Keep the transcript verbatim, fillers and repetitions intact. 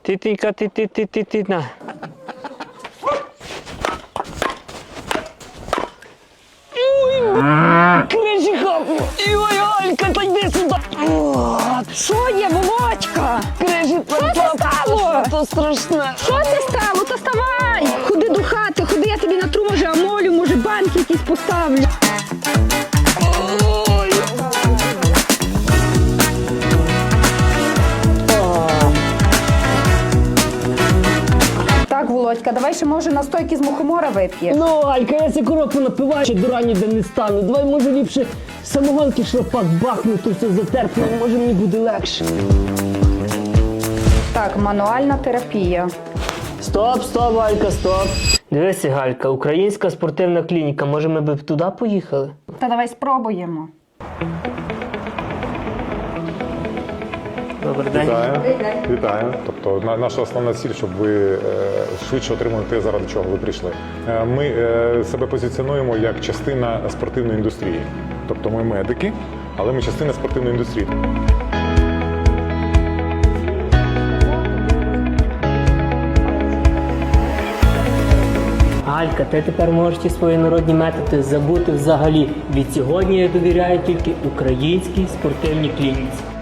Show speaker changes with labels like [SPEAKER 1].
[SPEAKER 1] Ти-ти-ка, ти-ти-ти-ти-ти, на. Крижиха! Ой, Алька, та йди сюди!
[SPEAKER 2] Що є, Володька?
[SPEAKER 1] Крижі,
[SPEAKER 2] Що це стало?
[SPEAKER 1] то страшне.
[SPEAKER 2] Що це стало? То ставай! Ходи до хати, ходи, я тобі натру, може, амолю, може, банки якісь поставлю. Так, Володька, давай ще, може, настойки з мухомора вип'єш.
[SPEAKER 1] Ну, Алька, я ся коробку напиваю, ще до рані де не стану. Давай, може, ліпше самогонки шропак бахну, то все затерпну, може мені буде легше.
[SPEAKER 2] Так, мануальна терапія.
[SPEAKER 1] Стоп, стоп, Алька, стоп. Дивися, Галька, українська спортивна клініка, може ми б туди поїхали?
[SPEAKER 2] Та давай спробуємо.
[SPEAKER 1] Добрий день.
[SPEAKER 3] Вітаю. Вітаю. Тобто на- наша основна ціль, щоб ви е, швидше отримали те, заради чого ви прийшли. Е, Ми е, себе позиціонуємо як частина спортивної індустрії. Тобто ми медики, але ми частина спортивної індустрії.
[SPEAKER 1] Галька, ти тепер можеш ті свої народні методи забути взагалі. Від сьогодні я довіряю тільки українській спортивній клініці.